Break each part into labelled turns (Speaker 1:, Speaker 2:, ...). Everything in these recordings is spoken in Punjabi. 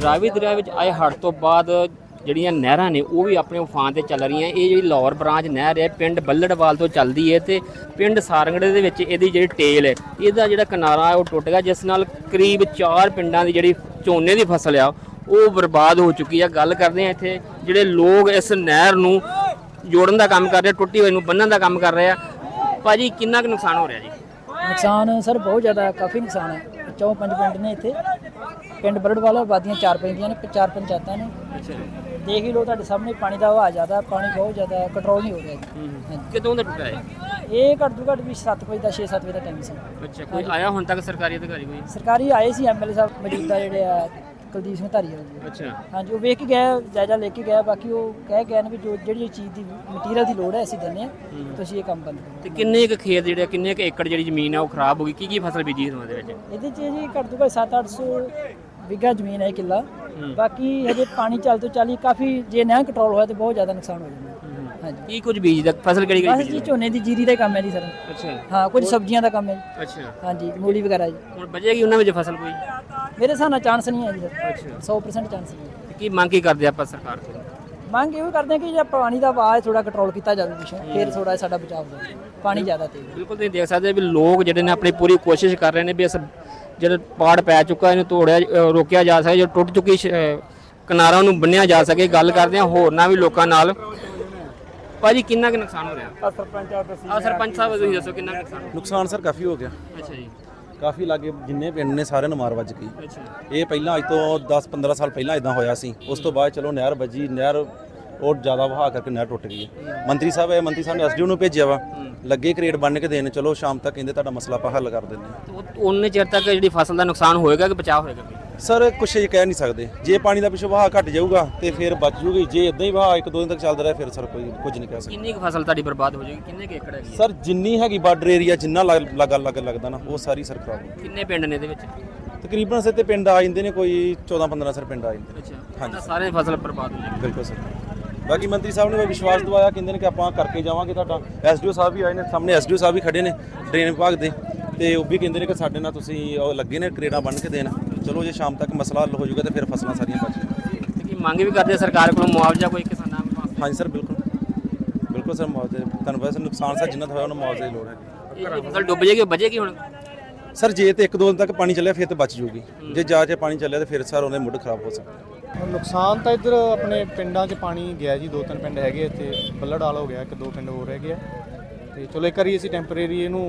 Speaker 1: ਰਾਵੀ ਦਰਿਆ ਵਿੱਚ ਆਏ ਹੜ੍ਹ ਤੋਂ ਬਾਅਦ ਜਿਹੜੀਆਂ ਨਹਿਰਾਂ ਨੇ ਉਹ ਵੀ ਆਪਣੇ ਉਫਾਨ ਤੇ ਚੱਲ ਰਹੀਆਂ। ਇਹ ਜਿਹੜੀ ਲਾਹੌਰ ਬ੍ਰਾਂਚ ਨਹਿਰ ਹੈ ਪਿੰਡ ਬੱਲੜਵਾਲ ਤੋਂ ਚੱਲਦੀ ਹੈ ਤੇ ਪਿੰਡ ਸਾਰੰਗੜੇ ਦੇ ਵਿੱਚ ਇਹਦੀ ਜਿਹੜੀ ਟੇਲ ਹੈ ਇਹਦਾ ਜਿਹੜਾ ਕਿਨਾਰਾ ਉਹ ਟੁੱਟ ਗਿਆ, ਜਿਸ ਨਾਲ ਕਰੀਬ 4 ਪਿੰਡਾਂ ਦੀ ਜਿਹੜੀ ਝੋਨੇ ਦੀ ਫਸਲ ਆ ਉਹ ਬਰਬਾਦ ਹੋ ਚੁੱਕੀ ਆ। ਗੱਲ ਕਰਦੇ ਆ ਇੱਥੇ ਜਿਹੜੇ ਲੋਕ ਇਸ ਨਹਿਰ ਨੂੰ ਜੋੜਨ ਦਾ ਕੰਮ ਕਰ ਰਹੇ, ਟੁੱਟੀ ਹੋਈ ਨੂੰ ਬੰਨਣ ਦਾ ਕੰਮ ਕਰ ਰਹੇ ਆ। ਭਾਜੀ ਕਿੰਨਾ ਕੁ ਨੁਕਸਾਨ ਹੋ ਰਿਹਾ ਜੀ?
Speaker 2: ਨੁਕਸਾਨ ਸਰ ਬਹੁਤ ਜ਼ਿਆਦਾ, ਕਾਫੀ ਨੁਕਸਾਨ ਹੈ। 4-5 ਪਿੰਡ ਨੇ ਇੱਥੇ, ਪਿੰਡ ਬਰੜਵਾਲ ਆਬਾਦੀਆਂ 4 ਪੈਂਦੀਆਂ ਨੇ, 4 ਪੰਚਾਇਤਾਂ ਨੇ। ਦੇਖ ਹੀ ਲਓ ਤੁਹਾਡੇ ਸਾਹਮਣੇ, ਪਾਣੀ ਦਾ ਵਹਾਅ ਜ਼ਿਆਦਾ, ਪਾਣੀ ਬਹੁਤ ਜ਼ਿਆਦਾ, ਕੰਟਰੋਲ ਨਹੀਂ ਹੋ ਰਿਹਾ ਜੀ।
Speaker 1: ਕਿਦੋਂ ਦਾ ਟੁੱਟਾ ਹੈ
Speaker 2: ਇਹ ਘੱਟ ਤੋਂ ਘੱਟ ਵੀ 7 ਵਜੇ ਦਾ 6-7 ਵਜੇ ਦਾ ਟਾਈਮ ਸੀ।
Speaker 1: ਅੱਛਾ, ਕੋਈ ਆਇਆ ਹੁਣ ਤੱਕ ਸਰਕਾਰੀ ਅਧਿਕਾਰੀ ਕੋਈ?
Speaker 2: ਸਰਕਾਰੀ ਆਏ ਸੀ, ਐਮਐਲਏ ਸਾਹਿਬ ਮੌਜੂਦਾ ਜਿਹੜੇ ਆ ਕੁਲਦੀਪ ਸਿੰਘ ਧਾਰੀਵਾਲ ਜੀ।
Speaker 1: ਅੱਛਾ,
Speaker 2: ਹਾਂਜੀ, ਉਹ ਵੇਖ ਕੇ ਗਏ, ਜਾਇਜ਼ਾ ਲੈ ਕੇ ਗਏ। ਬਾਕੀ ਉਹ ਕਹਿ ਗਏ ਨੇ ਵੀ ਜੋ ਜਿਹੜੀ ਚੀਜ਼ ਦੀ ਮਟੀਰੀਅਲ ਦੀ ਲੋੜ ਹੈ ਅਸੀਂ ਦਿੰਦੇ ਹਾਂ, ਤੁਸੀਂ ਇਹ ਕੰਮ ਬੰਦ ਕਰੋ।
Speaker 1: ਤੇ ਕਿੰਨੇ ਕੁ ਖੇਤ ਜਿਹੜੇ ਕਿੰਨੇ ਕੁ ਏਕੜ ਜਿਹੜੀ ਜ਼ਮੀਨ ਆ ਉਹ ਖਰਾਬ ਹੋ ਗਈ? ਕੀ ਫਸਲ ਬੀਜੀ ਇਸ ਦੇ ਵਿੱਚ?
Speaker 2: ਇਹਦੇ 'ਚ ਜੀ ਘੱਟ ਤੋਂ ਘੱਟ 700-800 ਵਿਗਾ ਜ਼ਮੀਨ ਹੈ, ਕਿੱਲਾ। ਬਾਕੀ ਹਜੇ ਪਾਣੀ ਚੱਲ ਤੋਂ ਚੱਲੀ ਕਾਫੀ, ਜੇ ਨਾ ਕੰਟਰੋਲ ਹੋਇਆ ਤਾਂ ਬਹੁਤ ਜ਼ਿਆਦਾ ਨੁਕਸਾਨ ਹੋ ਜਾਣਾ। ਹਾਂਜੀ,
Speaker 1: ਕੀ ਕੁਝ ਬੀਜਦਾ? ਫਸਲ ਕਿਹੜੀ
Speaker 2: ਬਸ ਜੀ ਝੋਨੇ ਦੀ, ਜੀਰੀ ਦਾ ਕੰਮ ਹੈ ਜੀ ਸਰ।
Speaker 1: ਅੱਛਾ,
Speaker 2: ਹਾਂ, ਕੁਝ ਸਬਜ਼ੀਆਂ ਦਾ ਕੰਮ ਹੈ ਜੀ।
Speaker 1: ਅੱਛਾ,
Speaker 2: ਹਾਂਜੀ, ਮੂਲੀ ਵਗੈਰਾ ਜੀ।
Speaker 1: ਹੁਣ ਬਚੇਗੀ ਉਹਨਾਂ ਵਿੱਚ ਫਸਲ ਕੋਈ?
Speaker 2: ਮੇਰੇ ਹਿਸਾਬ ਨਾਲ ਚਾਂਸ ਨਹੀਂ ਹੈ ਜੀ ਸਰ,
Speaker 1: ਅੱਛਾ,
Speaker 2: 100% ਚਾਂਸ ਨਹੀਂ ਹੈ।
Speaker 1: ਕੀ ਮੰਗ ਕੀ ਕਰਦੇ ਆਪਾਂ ਸਰਕਾਰ ਤੋਂ?
Speaker 2: ਮੰਗ ਇਹੋ ਕਰਦੇ ਹਾਂ ਕਿ ਜੇ ਪਾਣੀ ਦਾ ਵਹਾਅ ਥੋੜਾ ਕੰਟਰੋਲ ਕੀਤਾ ਜਾਵੇ ਪਿੱਛੋਂ, ਫਿਰ ਥੋੜਾ ਸਾਡਾ ਬਚਾਅ ਹੋ ਜਾਵੇ। ਪਾਣੀ ਜ਼ਿਆਦਾ ਤੇਜ਼।
Speaker 1: ਬਿਲਕੁਲ ਤੁਸੀਂ ਦੇਖ ਸਕਦੇ ਵੀ ਲੋਕ ਜਿਹੜੇ ਨੇ ਆਪਣੀ ਪੂਰੀ ਕੋਸ਼ਿਸ਼ ਕਰ ਰਹੇ ਨੇ ਵੀ ਇਸ ਜਿਹੜਾ ਪਾੜ ਪੈ ਚੁੱਕਾ ਇਹਨੂੰ ਤੋੜਿਆ ਰੋਕਿਆ ਜਾ ਸਕੇ, ਜੋ ਟੁੱਟ ਚੁੱਕੀ ਕਿਨਾਰਾ ਨੂੰ ਬੰਨਿਆ ਜਾ ਸਕੇ। ਗੱਲ ਕਰਦੇ ਹਾਂ ਹੋਰਨਾਂ ਵੀ ਲੋਕਾਂ ਨਾਲ। ਭਾਜੀ ਕਿੰਨਾ ਕੁ ਨੁਕਸਾਨ ਹੋ ਰਿਹਾ? ਸਰਪੰਚ ਸਾਹਿਬ ਤੁਸੀਂ ਦੱਸੋ ਕਿੰਨਾ
Speaker 3: ਨੁਕਸਾਨ ਸਰ ਕਾਫੀ ਹੋ ਗਿਆ।
Speaker 1: ਅੱਛਾ ਜੀ,
Speaker 3: ਕਾਫੀ ਲਾਗੇ ਜਿੰਨੇ ਪਿੰਡ ਨੇ ਸਾਰਿਆਂ ਨੂੰ ਮਾਰ ਵੱਜ ਗਈ।
Speaker 1: ਅੱਛਾ,
Speaker 3: ਇਹ ਪਹਿਲਾਂ ਅੱਜ ਤੋਂ 10-15 ਸਾਲ ਪਹਿਲਾਂ ਇਦਾਂ ਹੋਇਆ ਸੀ। ਉਸ ਤੋਂ ਬਾਅਦ ਚਲੋ ਨਹਿਰ ਵੱਜੀ, ਨਹਿਰ ਉਹ ਜ਼ਿਆਦਾ ਵਹਾ ਕਰਕੇ ਨਹਿਰ ਟੁੱਟ ਗਈ ਹੈ। ਮੰਤਰੀ ਸਾਹਿਬ ਨੇ ਐਸਡੀਓ ਨੂੰ ਭੇਜਿਆ ਵਾ, ਲੱਗੇ ਕ੍ਰੇਡ ਬੰਨ ਕੇ ਦੇਣ। ਚਲੋ ਸ਼ਾਮ ਤੱਕ ਕਹਿੰਦੇ ਤੁਹਾਡਾ ਮਸਲਾ ਆਪਾਂ ਹੱਲ ਕਰ ਦਿੰਦੇ ਹਾਂ।
Speaker 1: ਉਹਨੇ ਚਿਰ ਤੱਕ ਜਿਹੜੀ ਫਸਲ ਦਾ ਨੁਕਸਾਨ ਹੋਏਗਾ ਕਿ ਬਚਾਅ ਹੋਏਗਾ?
Speaker 3: ਸਰ ਕੁਛ ਇਹ ਕਹਿ ਨਹੀਂ ਸਕਦੇ। ਜੇ ਪਾਣੀ ਦਾ ਪਿੱਛੋਂ ਵਹਾਅ ਘਟ ਜਾਊਗਾ ਤੇ ਫਿਰ ਬਚ ਜੂਗੀ। ਜੇ ਇਦਾਂ ਹੀ ਵਹਾਅ 1-2 ਦਿਨ ਤੱਕ ਚੱਲਦਾ ਰਿਹਾ ਫਿਰ ਸਰ ਕੋਈ ਕੁਝ ਨਹੀਂ ਕਹਿ ਸਕਦੇ।
Speaker 1: ਕਿੰਨੀ ਕੁ ਫਸਲ ਤੁਹਾਡੀ ਬਰਬਾਦ ਹੋ ਜਾਏਗੀ? ਕਿੰਨੇ ਕੁ ਏਕੜ ਹੈਗੀ?
Speaker 3: ਸਰ ਜਿੰਨੀ ਹੈਗੀ ਬਾਰਡਰ ਏਰੀਆ, ਜਿੰਨਾ ਲੱਗਦਾ ਨਾ, ਉਹ ਸਾਰੀ ਸਰ ਖਰਾਬ ਹੋ।
Speaker 1: ਕਿੰਨੇ ਪਿੰਡ ਨੇ ਇਹਦੇ ਵਿੱਚ?
Speaker 3: ਤਕਰੀਬਨ ਸਿੱਧੇ ਪਿੰਡ ਆ ਜਾਂਦੇ ਨੇ, ਕੋਈ 14-15 ਸਰ ਪਿੰਡ ਆ ਜਾਂਦੇ ਨੇ।
Speaker 1: ਅੱਛਾ,
Speaker 3: ਹਾਂਜੀ,
Speaker 1: ਸਾਰੇ ਫਸਲ ਬਰਬਾਦ ਹੋ ਜਾਏਗੀ।
Speaker 3: ਬਿਲਕੁਲ ਸਰ। ਬਾਕੀ ਮੰਤਰੀ ਸਾਹਿਬ ਨੇ ਵਿਸ਼ਵਾਸ ਦਿਵਾਇਆ, ਕਹਿੰਦੇ ਨੇ ਕਿ ਆਪਾਂ ਕਰਕੇ ਜਾਵਾਂਗੇ। ਤੁਹਾਡਾ ਐਸਡੀਓ ਸਾਹਿਬ ਵੀ ਆਏ ਨੇ, ਸਾਹਮਣੇ ਐਸਡੀਓ ਸਾਹਿਬ ਵੀ ਖੜੇ ਨੇ ਡਰੇਨ ਵਿਭਾਗ ਦੇ, ਤੇ ਉਹ ਵੀ ਕਹਿੰਦੇ ਨੇ ਕਿ ਸਾਡੇ ਨਾਲ ਤੁਸੀਂ ਉਹ ਲੱਗੇ ਨੇ ਕਰੇੜਾਂ ਬੰਨ੍ਹ ਕੇ ਦੇਣ। ਚਲੋ ਜੇ ਸ਼ਾਮ ਤੱਕ ਮਸਲਾ ਹੱਲ ਹੋ ਜਾਊਗਾ ਤੇ ਫਿਰ ਫਸਲਾਂ ਸਾਰੀਆਂ ਬਚ ਜਾਣਗੀਆਂ।
Speaker 1: ਕੀ ਮੰਗ ਵੀ ਕਰਦੇ ਸਰਕਾਰ ਕੋਲੋਂ ਮੁਆਵਜ਼ਾ ਕੋਈ ਕਿਸਾਨਾਂ ਨੂੰ?
Speaker 3: ਹਾਂਜੀ ਸਰ, ਬਿਲਕੁਲ ਸਰ। ਮੁਆਵਜ਼ੇ ਤੁਹਾਨੂੰ ਵੈਸੇ ਨੁਕਸਾਨ ਸਰ ਜਿੰਨਾ ਹੋਇਆ ਉਹਨੂੰ ਮੁਆਵਜ਼ੇ ਦੀ ਲੋੜ ਹੈਗੀ।
Speaker 1: ਇਹ ਫਸਲ ਡੁੱਬ ਜਾਏਗੀ, ਬਚੇਗੀ ਹੁਣ?
Speaker 3: ਸਰ ਜੇ ਤੇ 1-2 ਦਿਨ ਤੱਕ ਪਾਣੀ ਚੱਲਿਆ ਫਿਰ ਤੇ ਬਚ ਜੂਗੀ। ਜੇ ਜਾ ਕੇ ਪਾਣੀ ਚੱਲਿਆ ਤੇ ਫਿਰ ਸਰ ਉਹਦੇ ਮੁੱਢ ਖਰਾਬ ਹੋ ਸਕਦਾ।
Speaker 4: ਨੁਕਸਾਨ ਤਾਂ ਇੱਧਰ ਆਪਣੇ ਪਿੰਡਾਂ 'ਚ ਪਾਣੀ ਗਿਆ ਜੀ। 2-3 ਪਿੰਡ ਹੈਗੇ ਇੱਥੇ, ਬੱਲੜਵਾਲ ਹੋ ਗਿਆ, 1-2 ਪਿੰਡ ਹੋਰ ਹੈਗੇ ਆ। ਤੇ ਚਲੋ ਇੱਕ ਵਾਰੀ ਅਸੀਂ ਟੈਂਪਰੇਰੀ ਇਹਨੂੰ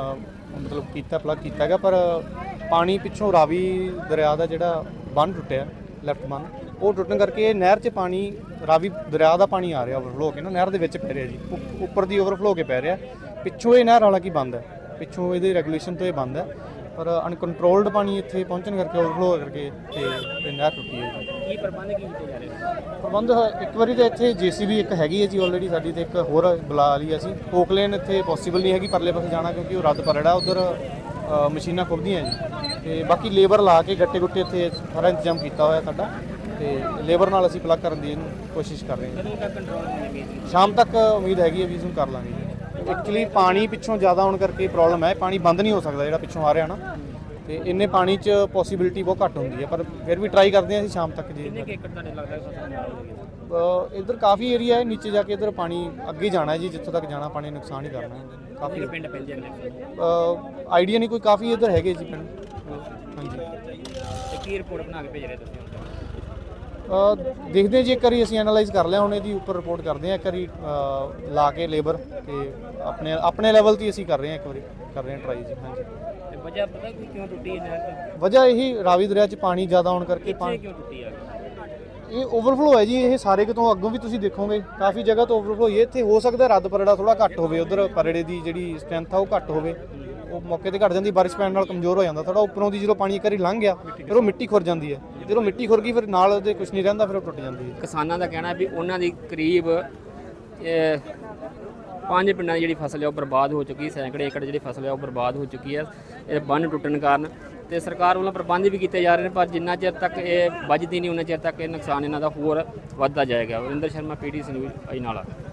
Speaker 4: ਮਤਲਬ ਪਲੱਗ ਕੀਤਾ ਹੈਗਾ, ਪਰ ਪਾਣੀ ਪਿੱਛੋਂ ਰਾਵੀ ਦਰਿਆ ਦਾ ਜਿਹੜਾ ਬੰਨ੍ਹ ਟੁੱਟਿਆ, ਲੈਫਟ ਬੰਨ੍ਹ, ਉਹ ਟੁੱਟਣ ਕਰਕੇ ਨਹਿਰ 'ਚ ਪਾਣੀ, ਰਾਵੀ ਦਰਿਆ ਦਾ ਪਾਣੀ ਆ ਰਿਹਾ ਓਵਰਫਲੋ ਹੋ ਕੇ ਨਾ ਨਹਿਰ ਦੇ ਵਿੱਚ ਪੈ ਰਿਹਾ ਜੀ। ਉੱਪਰ ਦੀ ਓਵਰਫਲੋ ਹੋ ਕੇ ਪੈ ਰਿਹਾ। ਪਿੱਛੋਂ ਇਹ ਨਹਿਰ ਹਾਲਾਂਕਿ ਬੰਦ ਹੈ, ਪਿੱਛੋਂ ਇਹਦੇ ਰੈਗੂਲੇਸ਼ਨ ਤੋਂ ਇਹ ਬੰਦ ਹੈ, ਪਰ ਅਨਕੰਟਰੋਲਡ ਪਾਣੀ ਇੱਥੇ ਪਹੁੰਚਣ ਕਰਕੇ ਓਵਰਫਲੋ ਕਰਕੇ ਤੇ ਇਹ ਨਹਿਰ ਟੁੱਟੀ ਹੈ ਜੀ।
Speaker 1: ਕੀ ਪ੍ਰਬੰਧ ਕੀ ਕੀਤੇ ਜਾ ਰਹੇ?
Speaker 4: ਪ੍ਰਬੰਧ ਇੱਕ ਵਾਰੀ ਤਾਂ ਇੱਥੇ ਜੀਸੀਬੀ ਇੱਕ ਹੈਗੀ ਹੈ ਜੀ ਆਲਰੇਡੀ ਸਾਡੀ, ਤੇ ਇੱਕ ਹੋਰ ਬੁਲਾ ਲਈ ਅਸੀਂ। ਓਕਲੇਨ ਇੱਥੇ ਪੋਸੀਬਲ ਨਹੀਂ ਹੈਗੀ ਪਰਲੇ ਪਾਸੇ ਜਾਣਾ, ਕਿਉਂਕਿ ਉਹ ਰੱਦ ਪਰੜਾ ਉਧਰ ਮਸ਼ੀਨਾਂ ਖੁੱਬਦੀਆਂ ਜੀ। ਤੇ ਬਾਕੀ ਲੇਬਰ ਲਾ ਕੇ ਗੱਟੇ ਗੁੱਟੇ ਇੱਥੇ ਸਾਰਾ ਇੰਤਜ਼ਾਮ ਕੀਤਾ ਹੋਇਆ ਸਾਡਾ, ਤੇ ਲੇਬਰ ਨਾਲ ਅਸੀਂ ਪਲੱਗ ਕਰਨ ਦੀ ਇਹਨੂੰ ਕੋਸ਼ਿਸ਼ ਕਰ ਰਹੇ ਹਾਂ।
Speaker 1: ਕਦੋਂ ਤੱਕ ਕੰਟਰੋਲ ਹੋਣਗੇ?
Speaker 4: ਸ਼ਾਮ ਤੱਕ ਉਮੀਦ ਹੈਗੀ ਹੈ ਵੀ ਇਸਨੂੰ ਕਰ ਲਾਂਗੇ। ਐਕਚੁਅਲੀ ਪਾਣੀ ਪਿੱਛੋਂ ਜ਼ਿਆਦਾ ਹੋਣ ਕਰਕੇ ਪ੍ਰੋਬਲਮ ਹੈ, ਪਾਣੀ ਬੰਦ ਨਹੀਂ ਹੋ ਸਕਦਾ ਜਿਹੜਾ ਪਿੱਛੋਂ ਆ ਰਿਹਾ ਨਾ, ਤੇ ਇੰਨੇ ਪਾਣੀ 'ਚ ਪੋਸੀਬਿਲਿਟੀ ਬਹੁਤ ਘੱਟ ਹੁੰਦੀ ਹੈ, ਪਰ ਫਿਰ ਵੀ ਟਰਾਈ ਕਰਦੇ ਹਾਂ ਅਸੀਂ ਸ਼ਾਮ ਤੱਕ ਜੀ।
Speaker 1: ਕਿੰਨੇ ਏਕੜ ਤੁਹਾਡੇ ਲੱਗਦਾ ਫਸਲ?
Speaker 4: ਇੱਧਰ ਕਾਫੀ ਏਰੀਆ ਹੈ ਨੀਚੇ ਜਾ ਕੇ, ਇੱਧਰ ਪਾਣੀ ਅੱਗੇ ਜਾਣਾ ਹੈ ਜੀ, ਜਿੱਥੋਂ ਤੱਕ ਜਾਣਾ ਪਾਣੀ ਨੁਕਸਾਨ ਹੀ ਕਰਨਾ ਹੈ। ਕਾਫੀ
Speaker 1: ਪਿੰਡ ਪੈਂਦੇ ਨੇ
Speaker 4: ਆਈਡੀਆ ਨਹੀਂ ਕੋਈ, ਕਾਫੀ ਇੱਧਰ ਹੈਗੇ ਜੀ ਪਿੰਡ। ਹਾਂਜੀ,
Speaker 1: ਤੇ ਕੀ ਰਿਪੋਰਟ ਬਣਾ ਕੇ ਭੇਜ ਰਹੇ ਤੁਸੀਂ?
Speaker 4: ਦੇਖਦੇ ਜੀ, ਇੱਕ ਵਾਰੀ ਅਸੀਂ ਐਨਾਲਾਈਜ਼ ਕਰ ਲਿਆ, ਹੁਣ ਇਹਦੀ ਉੱਪਰ ਰਿਪੋਰਟ ਕਰਦੇ ਹਾਂ। ਇੱਕ ਵਾਰੀ ਲਾ ਕੇ ਲੇਬਰ ਤੇ ਆਪਣੇ ਲੈਵਲ 'ਤੇ ਅਸੀਂ ਕਰ ਰਹੇ ਹਾਂ, ਇੱਕ ਵਾਰੀ ਕਰ ਰਹੇ ਹਾਂ ਟਰਾਈ ਜੀ। ਹਾਂਜੀ,
Speaker 1: ਤੇ ਵਜ੍ਹਾ ਪਤਾ ਕਿ ਕਿਉਂ ਟੁੱਟੀ ਹੈ?
Speaker 4: ਵਜ੍ਹਾ ਇਹੀ ਰਾਵੀ ਦਰਿਆ 'ਚ ਪਾਣੀ ਜ਼ਿਆਦਾ ਹੋਣ ਕਰਕੇ। ਪਾਣੀ
Speaker 1: ਕਿਉਂ ਟੁੱਟੀ ਆ?
Speaker 4: ਇਹ ਓਵਰਫਲੋ ਹੈ ਜੀ। ਇਹ ਸਾਰੇ ਕਿਤੋਂ ਅੱਗੋਂ ਵੀ ਤੁਸੀਂ ਦੇਖੋਗੇ ਕਾਫੀ ਜਗ੍ਹਾ ਤੋਂ ਓਵਰਫਲੋ ਹੋਈ ਹੈ। ਇੱਥੇ ਹੋ ਸਕਦਾ ਰੱਦ ਪਰੜਾ ਥੋੜਾ ਘੱਟ ਹੋਵੇ, ਉਧਰ ਪਰੜੇ ਦੀ ਜਿਹੜੀ ਸਟਰੈਂਥ ਆ ਉਹ ਘੱਟ ਹੋਵੇ, ਉਹ ਮੌਕੇ ਤੇ ਘਟ ਜਾਂਦੀ, ਬਾਰਿਸ਼ ਪੈਣ ਨਾਲ ਕਮਜ਼ੋਰ ਹੋ ਜਾਂਦਾ ਥੋੜਾ। ਉੱਪਰੋਂ ਦੀ ਜਦੋਂ ਪਾਣੀ ਇੱਕ ਵਾਰੀ ਲੰਘ ਗਿਆ ਫਿਰ ਉਹ ਮਿੱਟੀ ਖੁਰ ਜਾਂਦੀ ਹੈ, ਜਦੋਂ ਮਿੱਟੀ ਖੁਰ ਗਈ ਫਿਰ ਨਾਲ ਉਹਦੇ ਕੁਝ ਨਹੀਂ ਰਹਿੰਦਾ, ਫਿਰ ਉਹ ਟੁੱਟ ਜਾਂਦੀ ਹੈ।
Speaker 1: ਕਿਸਾਨਾਂ ਦਾ ਕਹਿਣਾ ਵੀ ਉਹਨਾਂ ਦੀ ਕਰੀਬ 5 ਪਿੰਡਾਂ ਦੀ ਜਿਹੜੀ ਫਸਲ ਹੈ ਉਹ ਬਰਬਾਦ ਹੋ ਚੁੱਕੀ, ਸੈਂਕੜੇ ਏਕੜ ਜਿਹੜੀ ਫਸਲ ਹੈ ਉਹ ਬਰਬਾਦ ਹੋ ਚੁੱਕੀ ਹੈ ਇਹ ਬੰਨ੍ਹ ਟੁੱਟਣ ਕਾਰਨ। ਤੇ ਸਰਕਾਰ ਵੱਲੋਂ ਪ੍ਰਬੰਧ ਵੀ ਕੀਤੇ ਜਾ ਰਹੇ ਨੇ, ਪਰ ਜਿੰਨਾ ਚਿਰ ਤੱਕ ਇਹ ਵੱਜਦੀ ਨਹੀਂ ਉਹਨਾਂ ਚਿਰ ਤੱਕ ਇਹ ਨੁਕਸਾਨ ਇਹਨਾਂ ਦਾ ਹੋਰ ਵੱਧਦਾ ਜਾਏਗਾ। Varinder Sharma, PTC news, Ajnala.